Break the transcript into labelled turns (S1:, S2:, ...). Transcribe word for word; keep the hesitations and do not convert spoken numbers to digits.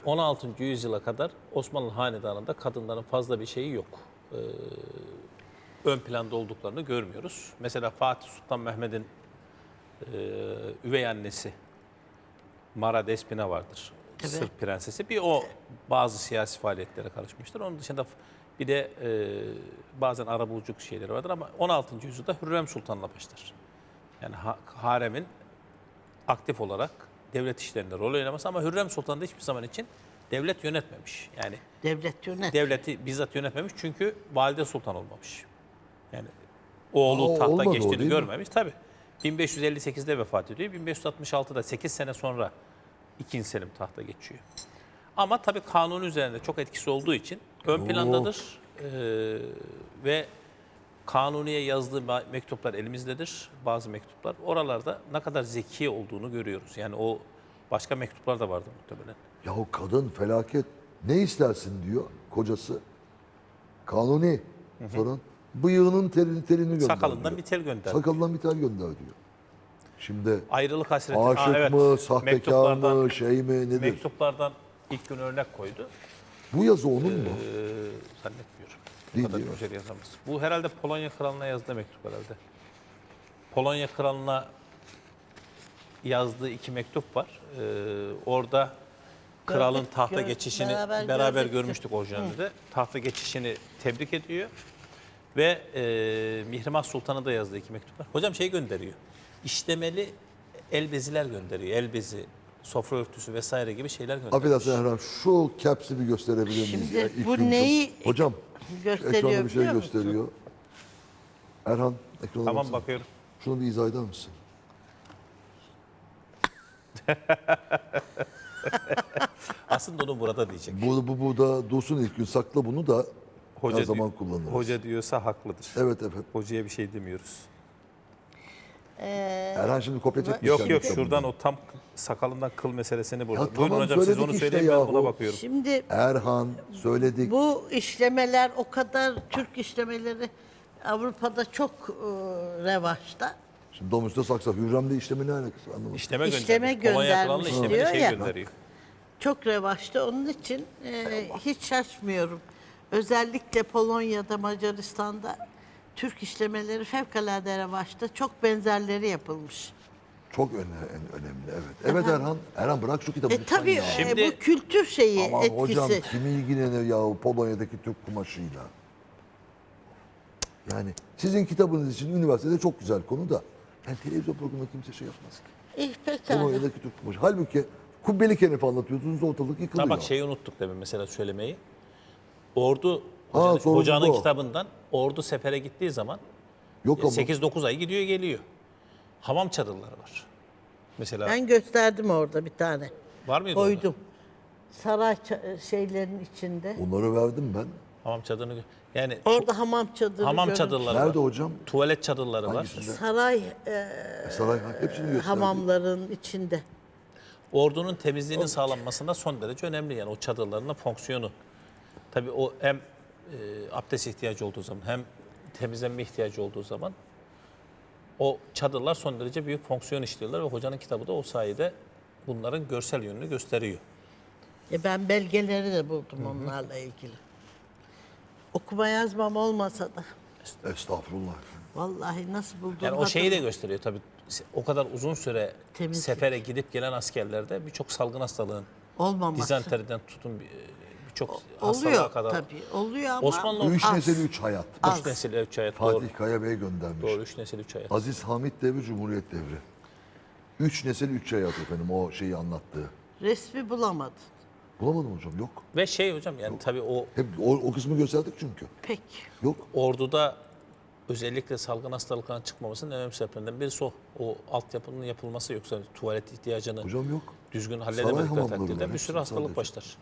S1: on altıncı yüzyıla kadar Osmanlı Hanedanı'nda kadınların fazla bir şeyi yok. Ee, ön planda olduklarını görmüyoruz. Mesela Fatih Sultan Mehmet'in e, üvey annesi Mara Despina vardır.
S2: Evet.
S1: Sırp prensesi. Bir o bazı siyasi faaliyetlere karışmıştır. Onun dışında bir de e, bazen arabuluculuk şeyleri vardır ama on altıncı yüzyılda Hürrem Sultan'la başlar. Yani ha, haremin aktif olarak devlet işlerinde rol oynaması ama Hürrem Sultan da hiçbir zaman için devlet yönetmemiş. Yani
S2: Devlet yönet.
S1: devleti bizzat yönetmemiş çünkü valide sultan olmamış. Yani oğlu
S3: Aa,
S1: tahta
S3: olmadı o,
S1: geçtiğini
S3: değil mi?
S1: görmemiş. Tabii. bin beş yüz elli sekizde vefat ediyor. bin beş yüz altmış altıda sekiz sene sonra ikinci. Selim tahta geçiyor. Ama tabii kanun üzerinde çok etkisi olduğu için ön plandadır. Ee, ve Kanuni'ye yazdığı mektuplar elimizdedir. Bazı mektuplar. Oralarda ne kadar zeki olduğunu görüyoruz. Yani o başka mektuplar da vardı muhtemelen.
S3: Yahu kadın felaket. Ne istersin diyor kocası. Kanuni. Sonra bıyığının telini telini gönder
S1: Sakalından
S3: diyor.
S1: bir tel gönder.
S3: Sakalından bir tel gönder diyor. Şimdi
S1: Ayrılık hasreti.
S3: aşık
S1: Aa, evet.
S3: mı, sahtekar
S1: Mektuplardan-
S3: mı, şey mi, nedir?
S1: Mektuplardan ilk gün örnek koydu.
S3: Bu yazı onun mu?
S1: Ee, zannetmiyorum. Bu
S3: Değil,
S1: kadar
S3: değil mi?
S1: güzel yazamaz. Bu herhalde Polonya Kralı'na yazdığı mektup herhalde. Polonya Kralı'na yazdığı iki mektup var. Ee, orada kralın
S2: Gördük,
S1: tahta
S2: gör-
S1: geçişini
S2: beraber
S1: beraber,
S2: gördük.
S1: görmüştük orijinalde. Tahta geçişini tebrik ediyor. Ve e, Mihrimah Sultan'a da yazdığı iki mektup var. Hocam şey gönderiyor. İşlemeli el beziler gönderiyor. El bezi, sofra örtüsü vesaire gibi şeyler gönderiyor.
S3: Affedersin Erhan, şu caps'i bir gösterebilir miyiz?
S2: Şimdi
S3: ya? İlk
S2: bu
S3: gün
S2: neyi
S3: çok- Hocam,
S2: gösteriyor
S3: ekranda bir şey
S2: biliyor musun?
S3: gösteriyor. Erhan, ekrana
S1: Tamam
S3: baksana.
S1: bakıyorum.
S3: Şunu bir izah eder misin?
S1: Aslında onu burada diyecek.
S3: Bu, bu, bu da dursun ilk gün, sakla bunu da
S1: Hoca
S3: her zaman
S1: diyor-
S3: kullanırız.
S1: Hoca diyorsa haklıdır.
S3: Evet evet.
S1: Hocaya bir şey demiyoruz.
S3: Erhan şimdi kopya çekmiş.
S1: Yok
S3: kendi
S1: yok
S3: kitabından.
S1: şuradan o tam sakalından kıl meselesini burada.
S3: Ya
S1: Buyurun
S3: tamam,
S1: hocam siz
S3: söyledik
S1: onu
S3: işte
S1: söyleyin ben
S3: yahu.
S1: buna bakıyorum.
S2: Şimdi
S3: Erhan söyledik.
S2: bu işlemeler o kadar Türk işlemeleri Avrupa'da çok e, revaçta.
S3: Şimdi domuzda saksa Hürrem'le işlemi ne alakası anlamadım.
S1: İşleme,
S2: İşleme
S1: göndermiş. Polonya
S2: göndermiş
S1: Kralı'na işlemeli
S2: diyor
S1: şey
S2: ya.
S1: gönderiyor.
S2: Çok revaçta. Onun için e, hiç şaşmıyorum. Özellikle Polonya'da, Macaristan'da Türk işlemeleri fevkalade revaçta. Çok benzerleri yapılmış.
S3: Çok öne, en önemli evet. Evet Erhan. Erhan bırak şu kitabı
S2: E
S3: lütfen
S2: tabii
S3: ya.
S2: e,
S1: Şimdi-
S2: bu kültür şeyi,
S3: Aman
S2: etkisi.
S3: hocam kimi ilgilenir ya o Polonya'daki Türk kumaşıyla. Yani sizin kitabınız için üniversitede çok güzel konu da. Yani televizyon programında kimse şey yapmaz ki.
S2: İyi pekala.
S3: Polonya'daki Türk kumaşı. Halbuki Kubbeli Kenef anlatıyorsunuz ortalık yıkılıyor.
S1: Ha bak şeyi unuttuk demin mesela söylemeyi. Ordu
S3: Ha,
S1: hocanın,
S3: sorun
S1: hocanın
S3: bu.
S1: kitabından ordu sefere gittiği zaman
S3: Yok ama.
S1: sekiz dokuz ay gidiyor geliyor. Hamam çadırları var. Mesela
S2: Ben gösterdim orada bir tane.
S1: var mıydı orada?
S2: Koydum. Saray ça- şeylerin içinde.
S3: Onları verdim ben.
S1: Hamam çadırını gö- yani
S2: Orada hamam çadırı
S1: hamam
S2: görün-
S1: çadırları
S3: Nerede
S1: var.
S3: hocam?
S1: Tuvalet çadırları var.
S3: Hangisinde?
S2: Saray e,
S3: E, Saray hepsini gösterdi.
S2: hamamların içinde.
S1: Ordunun temizliğinin sağlanmasında son derece önemli yani o çadırların da fonksiyonu. Tabii o hem e, abdest ihtiyacı olduğu zaman hem temizlenme ihtiyacı olduğu zaman o çadırlar son derece büyük fonksiyon işliyorlar ve hocanın kitabı da o sayede bunların görsel yönünü gösteriyor.
S2: E ben belgeleri de buldum onlarla ilgili. Okuma yazmam olmasa da
S3: Estağfurullah.
S2: vallahi nasıl buldum
S1: Yani o şeyi de
S2: hatırlamıyorum.
S1: gösteriyor tabii. O kadar uzun süre
S2: Temizlik.
S1: sefere gidip gelen askerlerde birçok salgın hastalığın,
S2: olmaması.
S1: dizanteriden tutun bir- birçok
S2: Oluyor
S1: hastalığa kadar.
S2: tabii. Oluyor ama
S1: Osmanlı
S3: Üç
S2: az.
S3: nesil üç hayat.
S2: Az.
S1: Üç nesil üç hayat doğru.
S3: Fatih Kaya Bey göndermiş.
S1: Doğru üç nesil üç hayat.
S3: Aziz Hamit devri, Cumhuriyet devri. Üç nesil üç hayat efendim o şeyi anlattığı.
S2: Resmi bulamadım.
S3: Bulamadım hocam yok.
S1: Ve şey hocam yani tabii o
S3: Hep o, o kısmı gösterdik çünkü.
S2: Pek.
S3: Yok.
S1: orduda özellikle salgın hastalıkların çıkmamasının en önemli sebeplerinden birisi o. O altyapının yapılması yoksa tuvalet ihtiyacını
S3: Hocam yok.
S1: düzgün
S3: Saray
S1: halledemedikleri
S3: hamamları
S1: takdirde
S3: var,
S1: bir
S3: hepsi
S1: sürü hastalık
S3: sadece.
S1: başlar.